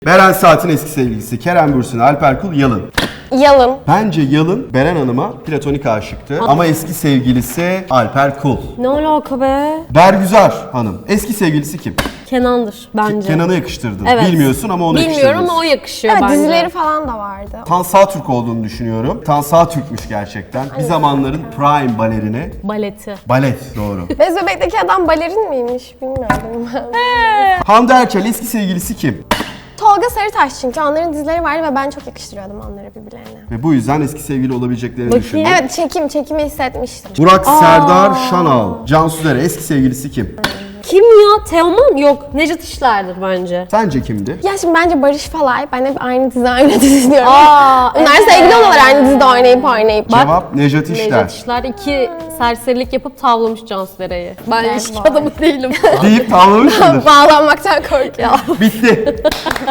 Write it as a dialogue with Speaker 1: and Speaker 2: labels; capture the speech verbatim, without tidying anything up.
Speaker 1: Beren Saat'in eski sevgilisi Kerem Bürsin, Alper Kul, Yalın.
Speaker 2: Yalın.
Speaker 1: Bence Yalın Beren Hanım'a platonik aşıktı ama eski sevgilisi Alper Kul.
Speaker 3: Ne alaka be?
Speaker 1: Bergüzar Hanım. Eski sevgilisi kim?
Speaker 3: Kenan'dır bence.
Speaker 1: Kenan'ı yakıştırdın.
Speaker 3: Evet.
Speaker 1: Bilmiyorsun ama onu
Speaker 3: Bilmiyorum
Speaker 1: yakıştırdın.
Speaker 3: ama o yakışıyor
Speaker 2: Evet,
Speaker 3: bence.
Speaker 2: dizileri falan da vardı.
Speaker 1: Tan Sağtürk olduğunu düşünüyorum. Tan Sağtürk'müş gerçekten. Bir zamanların prime balerini.
Speaker 3: Baleti.
Speaker 1: Balet doğru.
Speaker 2: Bez Bebek'teki adam balerin miymiş bilmiyorum.
Speaker 1: Hande Erçel eski sevgilisi kim?
Speaker 2: Tolga Sarıtaş, çünkü onların dizileri vardı ve ben çok yakıştırıyordum onları birbirlerine.
Speaker 1: Ve bu yüzden eski sevgili olabileceklerini
Speaker 3: Bakayım.
Speaker 1: düşündüm.
Speaker 2: Evet, çekim, çekimi hissetmiştim.
Speaker 1: Burak Serdar Şanal. Cansu Dere eski sevgilisi kim?
Speaker 3: Kim ya? Teoman? Yok. Necdet İşler'dir bence.
Speaker 1: Sence kimdi?
Speaker 2: Ya şimdi bence Barış Falay, ben hep aynı dizi oynadı düşünüyorum.
Speaker 3: Aa,
Speaker 2: Bunlar
Speaker 3: evet.
Speaker 2: sevgili oluyorlar aynı dizide oynayıp oynayıp.
Speaker 1: Cevap Nejat İşler.
Speaker 3: Necdet İşler iki serserilik yapıp tavlamış Cansu Dere'yi. Ben
Speaker 2: Evet,
Speaker 3: ilişki
Speaker 2: var.
Speaker 3: adamı değilim.
Speaker 1: Deyip tavlamış mıdır?
Speaker 2: Bağlanmaktan korkuyorum.
Speaker 1: Bitti.